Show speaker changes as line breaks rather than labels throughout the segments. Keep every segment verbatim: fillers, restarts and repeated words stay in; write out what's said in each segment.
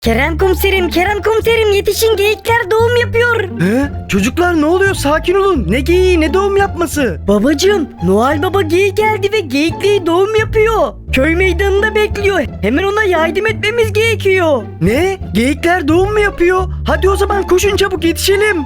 Kerem komiserim, Kerem komiserim yetişin, geyikler doğum yapıyor.
He? Çocuklar ne oluyor? Sakin olun. Ne geyiği ne doğum yapması?
Babacığım, Noel Baba geyik geldi ve geyikliği doğum yapıyor. Köy meydanında bekliyor. Hemen ona yardım etmemiz gerekiyor.
Ne? Geyikler doğum mu yapıyor? Hadi o zaman koşun çabuk yetişelim.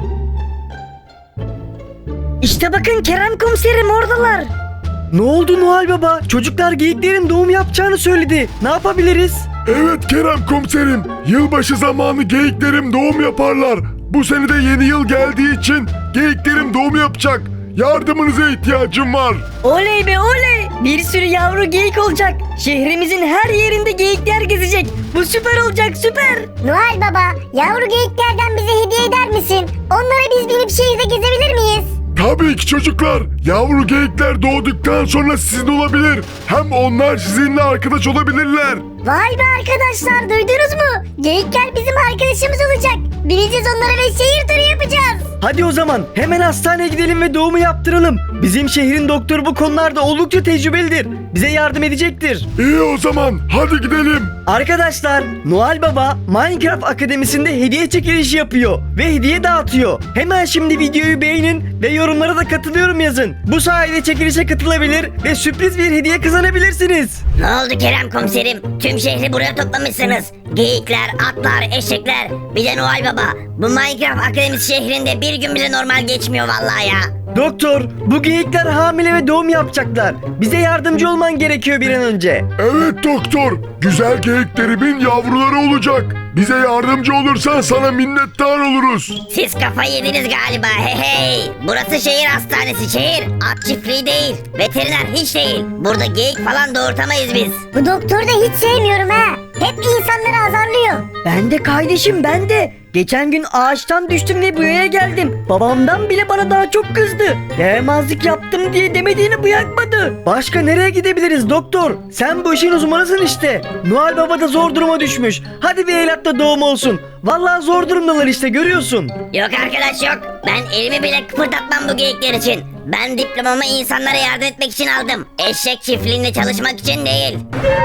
İşte bakın Kerem komiserim, oradalar.
Ne oldu Noel Baba? Çocuklar geyiklerin doğum yapacağını söyledi. Ne yapabiliriz?
Evet Kerem komiserim. Yılbaşı zamanı geyiklerim doğum yaparlar. Bu sene de yeni yıl geldiği için geyiklerim doğum yapacak. Yardımınıza ihtiyacım var.
Oley be oley. Bir sürü yavru geyik olacak. Şehrimizin her yerinde geyikler gezecek. Bu süper olacak, süper.
Noel Baba, yavru geyiklerden bize hediye eder misin? Onlara biz binip şehirde gezebilir miyiz?
Tabii ki çocuklar. Yavru geyikler doğduktan sonra sizin olabilir. Hem onlar sizinle arkadaş olabilirler.
Vay be arkadaşlar, duydunuz mu? Geyikler bizim arkadaşımız olacak. Bineceğiz onlara ve şehir turu yapacağız.
Hadi o zaman hemen hastaneye gidelim ve doğumu yaptıralım. Bizim şehrin doktoru bu konularda oldukça tecrübelidir. Bize yardım edecektir.
İyi o zaman hadi gidelim.
Arkadaşlar, Noel Baba Minecraft Akademisi'nde hediye çekilişi yapıyor ve hediye dağıtıyor. Hemen şimdi videoyu beğenin ve yorumlara da katılıyorum yazın. Bu sayede çekilişe katılabilir ve sürpriz bir hediye kazanabilirsiniz.
Ne oldu Kerem komiserim? Tüm şehri buraya toplamışsınız. Geyikler, atlar, eşekler, bir de Noel Baba. Bu Minecraft Akademisi şehrinde bir gün bile normal geçmiyor vallahi ya.
Doktor, bu geyikler hamile ve doğum yapacaklar. Bize yardımcı olman gerekiyor bir an önce.
Evet doktor. Güzel geyiklerimin yavruları olacak. Bize yardımcı olursan sana minnettar oluruz.
Siz kafayı yediniz galiba, hey hey. Burası şehir hastanesi, şehir. At çiftliği değil, veteriner hiç değil. Burada geyik falan doğurtamayız biz.
Bu doktoru da hiç sevmiyorum ha. Hep insanları azarlıyor.
Ben de kardeşim, ben de. Geçen gün ağaçtan düştüm ve buraya geldim. Babamdan bile bana daha çok kızdı. Yaramazlık yaptım diye demediğini bırakmadı.
Başka nereye gidebiliriz doktor? Sen bu işin uzmanısın işte. Noel Baba da zor duruma düşmüş. Hadi bir evlatta doğum olsun. Vallahi zor durumdalar işte, görüyorsun.
Yok arkadaş yok. Ben elimi bile kıpırdatmam bu geyikler için. Ben diplomamı insanlara yardım etmek için aldım. Eşek çiftliğinde çalışmak için değil.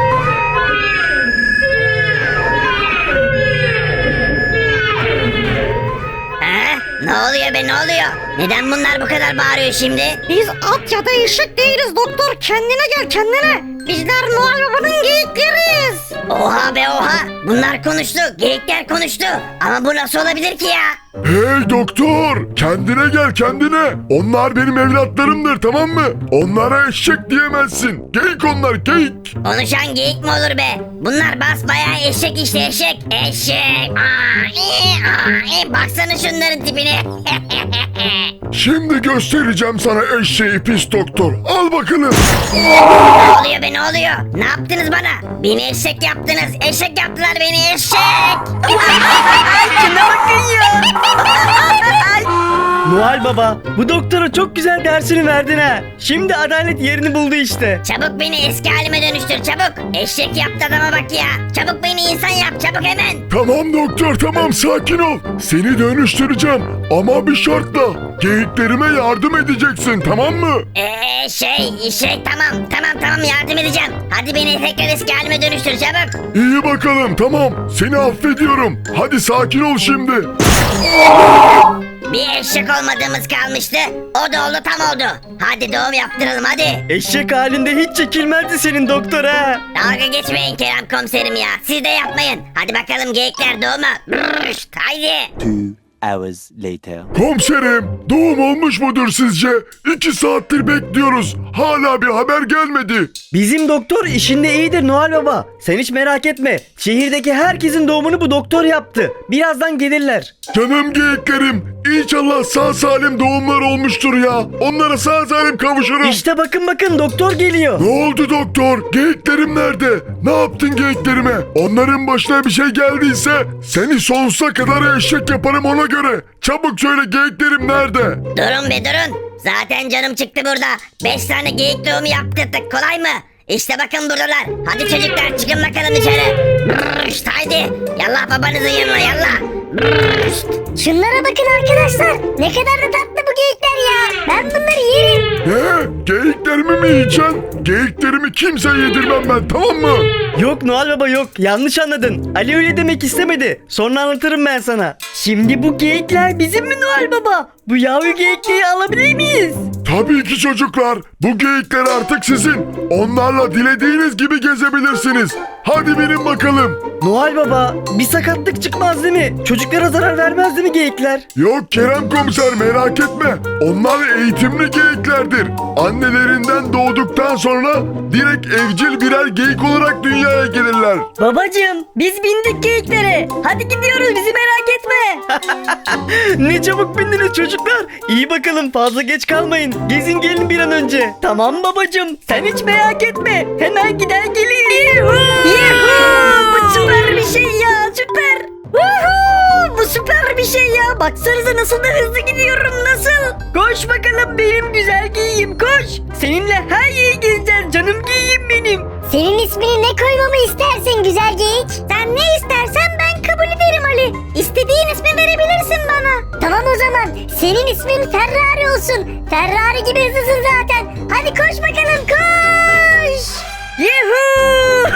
Ha? Ne oluyor be, ne oluyor? Neden bunlar bu kadar bağırıyor şimdi?
Biz at ya da eşek değiliz doktor. Kendine gel, kendine. Bizler Noel Baba'nın geyikleriyiz.
Oha be oha. Bunlar konuştu. Geyikler konuştu. Ama bu nasıl olabilir ki ya?
Hey doktor, kendine gel kendine. Onlar benim evlatlarımdır, tamam mı? Onlara eşek diyemezsin. Geyik onlar, geyik.
Konuşan geyik mi olur be? Bunlar basbayağı eşek işte, eşek. Eşek. Aa, ee, aa, ee. Baksana şunların tipine.
Şimdi göstereceğim sana eşeği pis doktor. Al bakalım.
Ne oluyor be, ne oluyor? Ne yaptınız bana? Beni eşek yaptınız. Eşek yaptılar beni, eşek.
Şuna bakın ya.
Noel Baba, bu doktora çok güzel dersini verdin ha. Şimdi adalet yerini buldu işte.
Çabuk beni eski halime dönüştür, çabuk. Eşek yaptı adama bak ya. Çabuk beni insan yap, çabuk hemen.
Tamam doktor, tamam, sakin ol. Seni dönüştüreceğim ama bir şartla. Geyiklerime yardım edeceksin, tamam mı?
Eee şey, şey tamam, tamam tamam yardım edeceğim. Hadi beni tekrar eski halime dönüştür, çabuk.
İyi bakalım, tamam. Seni affediyorum. Hadi sakin ol şimdi.
Bir eşek olmadığımız kalmıştı. O da oldu, tam oldu. Hadi doğum yaptıralım hadi.
Eşek halinde hiç çekilmezdi senin doktor ha.
Dalga geçmeyin Kerem komiserim ya. Siz de yapmayın. Hadi bakalım geyikler doğuma. Brrşt, haydi.
Two hours later.
Komiserim, doğum olmuş mudur sizce? İki saattir bekliyoruz. Hala bir haber gelmedi.
Bizim doktor işinde iyidir Noel Baba. Sen hiç merak etme. Şehirdeki herkesin doğumunu bu doktor yaptı. Birazdan gelirler.
Canım geyiklerim, İnşallah sağ salim doğumlar olmuştur ya. Onlara sağ salim kavuşurum.
İşte bakın bakın doktor geliyor.
Ne oldu doktor? Geyiklerim nerede? Ne yaptın geyiklerime? Onların başına bir şey geldiyse seni sonsuza kadar eşek yaparım ona göre. Çabuk söyle, geyiklerim nerede?
Durun be durun. Zaten canım çıktı burada. Beş tane geyik doğumu yaptırdık, kolay mı? İşte bakın buradalar. Hadi çocuklar çıkın bakalım dışarı. Brrşt, haydi. Yallah babanızın yanına yallah. Brrşt.
Şunlara bakın arkadaşlar. Ne kadar da tatlı bu geyikler ya. Ben bunları yerim.
Ne? Geyiklerimi mi yiyeceksin? Geyiklerimi kimseye yedirmem ben, tamam mı?
Yok Noel Baba yok, yanlış anladın. Ali öyle demek istemedi. Sonra anlatırım ben sana.
Şimdi bu geyikler bizim mi Noel Baba? Bu yavru geyikleri alabilir miyiz?
Tabii ki çocuklar. Bu geyikler artık sizin. Onlarla dilediğiniz gibi gezebilirsiniz. Hadi binin bakalım.
Noel Baba, bir sakatlık çıkmaz değil mi? Çocuklara zarar vermez değil mi geyikler?
Yok Kerem komiser, merak etme. Onlar eğitimli geyiklerdir. Annelerinden doğduktan sonra direkt evcil birer geyik olarak dünyaya gelirler.
Babacığım biz bindik geyiklere. Hadi gidiyoruz bizi merak etme.
Ne çabuk bindiniz çocuklar. İyi bakalım, fazla geç kalmayın. Gezin gelin bir an önce.
Tamam babacığım sen hiç merak etme. Hemen gider geliriz. Yuhuu! Bu süper bir şey ya süper. Yuhuu! Bu süper bir şey ya. Baksanıza nasıl da hızlı gidiyorum nasıl. Koş bakalım benim güzel geyiğim koş. Seninle her yeri gezeceğiz canım geyiğim benim.
Senin ismini ne koymamı istersin güzel geyik? Sen ne istersen ben kabul ederim Ali. İstediğin ismi verebilirsin bana. Tamam o zaman. Senin ismin Ferrari olsun. Ferrari gibi hızlısın zaten. Hadi koş bakalım koş.
Yuhuu!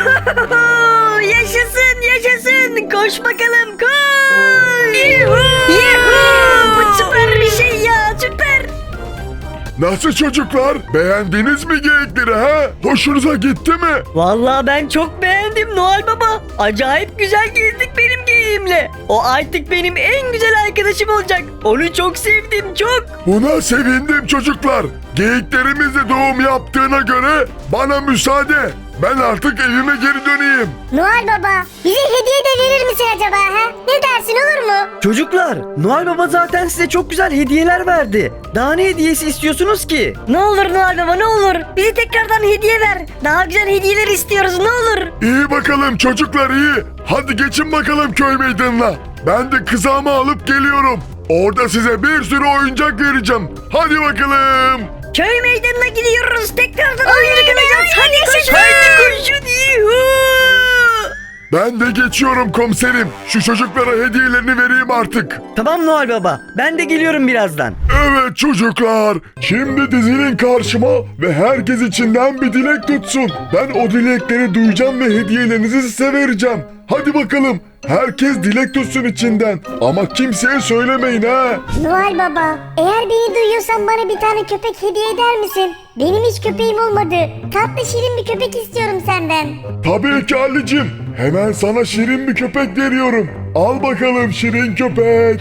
Yaşasın yaşasın. Koş bakalım koş. Yuhuu! Yuhuu! Bu süper bir şey ya süper.
Nasıl çocuklar? Beğendiniz mi geyikleri ha? Hoşunuza gitti mi?
Vallahi ben çok beğendim Noel Baba. Acayip güzel gezdik benim geyiğimle. O artık benim en güzel arkadaşım olacak. Onu çok sevdim çok.
Buna sevindim çocuklar. Geyiklerimiz de doğum yaptığına göre bana müsaade. Ben artık evime geri döneyim.
Noel Baba bize hediye de verir misin acaba ha? Ne dersin olur mu?
Çocuklar, Noel Baba zaten size çok güzel hediyeler verdi. Daha ne hediyesi istiyorsunuz ki?
Ne olur Noel Baba ne olur. Bize tekrardan hediye ver. Daha güzel hediyeler istiyoruz ne olur.
İyi bakalım çocuklar iyi. Hadi geçin bakalım köy meydanına. Ben de kızağımı alıp geliyorum. Orada size bir sürü oyuncak vereceğim. Hadi bakalım.
Köy meydanına gidiyoruz. Tekrardan
Oley
oyuncak
be,
alacağız. Hadi
yaşasın.
koşun. Hadi koşun. Yuhuu!
Ben de geçiyorum komiserim. Şu çocuklara hediyelerini vereyim artık.
Tamam Noel Baba, ben de geliyorum birazdan.
Evet çocuklar. Şimdi dizilin karşıma ve herkes içinden bir dilek tutsun. Ben o dilekleri duyacağım ve hediyelerinizi size vereceğim. Hadi bakalım. Herkes dilek tutsun içinden. Ama kimseye söylemeyin ha.
Noel Baba, eğer beni duyuyorsan bana bir tane köpek hediye eder misin? Benim hiç köpeğim olmadı. Tatlı şirin bir köpek istiyorum senden.
Tabii ki Ali'cim. Hemen sana şirin bir köpek veriyorum. Al bakalım şirin köpek.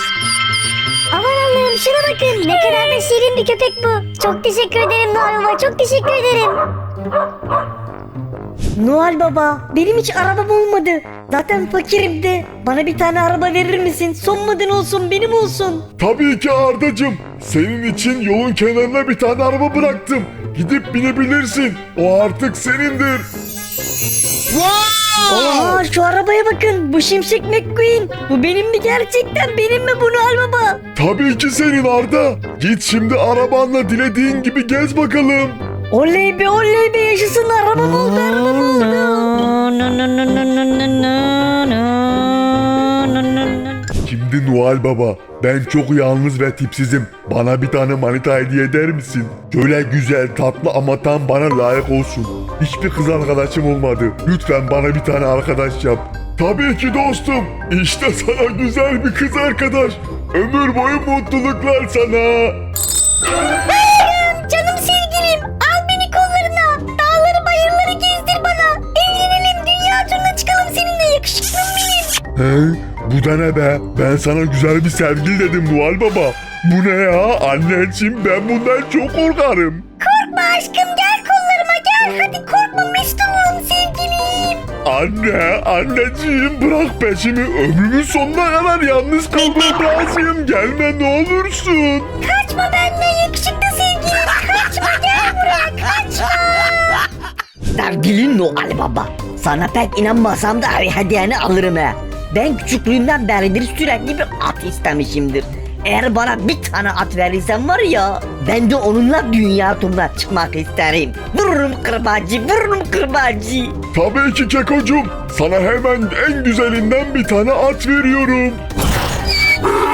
Aman Allah'ım şuna bakın. Ne kadar da şirin bir köpek bu. Çok teşekkür ederim Noel Baba. Çok teşekkür ederim.
Noel Baba benim hiç arabam olmadı. Zaten fakirim de. Bana bir tane araba verir misin? Son model olsun benim olsun.
Tabii ki Ardacım. Senin için yolun kenarına bir tane araba bıraktım. Gidip binebilirsin. O artık senindir.
Aa şu arabaya bakın. Bu Şimşek McQueen. Bu benim mi gerçekten? Benim mi bu Noel Baba?
Tabii ki senin Arda. Git şimdi arabanla dilediğin gibi gez bakalım.
Oley be oley be yaşasın arabam oldu arabam
Şimdi Noel Baba, ben çok yalnız ve tipsizim. Bana bir tane manita hediye eder misin? Şöyle güzel, tatlı ama tam bana layık olsun. Hiçbir kız arkadaşım olmadı. Lütfen bana bir tane arkadaş yap. Tabii ki dostum. İşte sana güzel bir kız arkadaş. Ömür boyu mutluluklar sana.
Canım sevgilim, al beni kollarına. Dağları bayırları gezdir bana. Evlenelim, dünya turuna çıkalım seninle, yakışıklım benim.
He? Bu da ne be? Ben sana güzel bir sevgili dedim Noel Baba. Bu ne ya? Anneciğim ben bundan çok korkarım.
Korkma aşkım, gel kollarıma gel. Hadi korkma Mesut'um sevgilim.
Anne, anneciğim bırak peşimi. Ömrümün sonuna kadar yalnız kalmam lazım. Gelme ne olursun.
Kaçma benden yakışıklı sevgilim. Kaçma, gel buraya, kaçma.
Sevgili Noel Baba. Sana pek inanmasam da hediyeni alırım he. Ben küçüklüğümden beridir sürekli bir at istemişimdir. Eğer bana bir tane at verirsen var ya, ben de onunla dünya turuna çıkmak isterim. Vururum kırbacı, vururum kırbacı.
Tabii ki Kekocuğum. Sana hemen en güzelinden bir tane at veriyorum.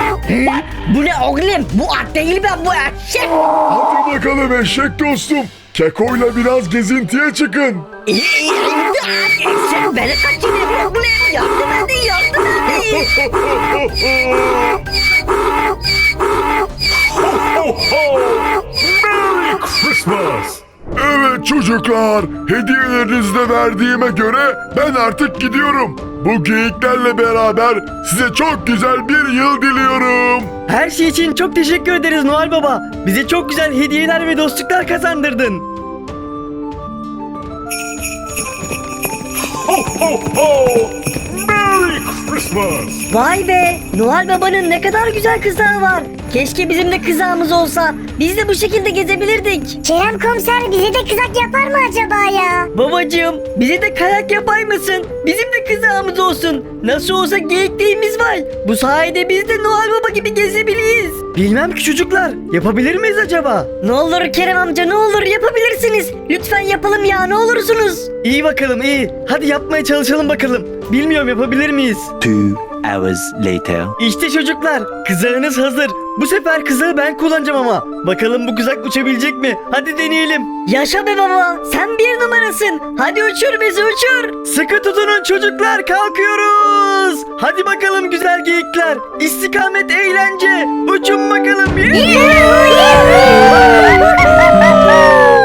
Bu ne oğlum? Bu at değil be bu eşek.
Hadi bakalım eşek dostum. Keko'yla biraz gezintiye çıkın.
İyi iyi. Sen beni kaçırıyorsun. Yardım edin yardım edin.
Merry Christmas. Evet çocuklar, hediyelerinizi de verdiğime göre ben artık gidiyorum. Bu geyiklerle beraber size çok güzel bir yıl diliyorum.
Her şey için çok teşekkür ederiz Noel Baba. Bize çok güzel hediyeler ve dostluklar kazandırdın.
Ho ho ho! Merry Christmas.
Vay be! Noel Baba'nın ne kadar güzel kızağı var. Keşke bizim de kızağımız olsa. Biz de bu şekilde gezebilirdik.
Kerem komiser bize de kızak yapar mı acaba ya?
Babacığım bize de kayak yapar mısın? Bizim de kızağımız olsun. Nasıl olsa geyikliğimiz var. Bu sayede biz de Noel Baba gibi gezebiliriz.
Bilmem ki çocuklar, yapabilir miyiz acaba?
Ne olur Kerem amca ne olur yapabilirsiniz. Lütfen yapalım ya ne olursunuz.
İyi bakalım iyi. Hadi yapmaya çalışalım bakalım. Bilmiyorum yapabilir miyiz?
Two hours later.
İşte çocuklar, kızağınız hazır. Bu sefer kızağı ben kullanacağım ama. Bakalım bu kızak uçabilecek mi? Hadi deneyelim.
Yaşa be baba sen bir numarasın. Hadi uçur bizi uçur.
Sıkı tutunun çocuklar, kalkıyoruz. Hadi bakalım güzel geyikler. İstikamet eğlence. Uçun bakalım.
Yuhuu!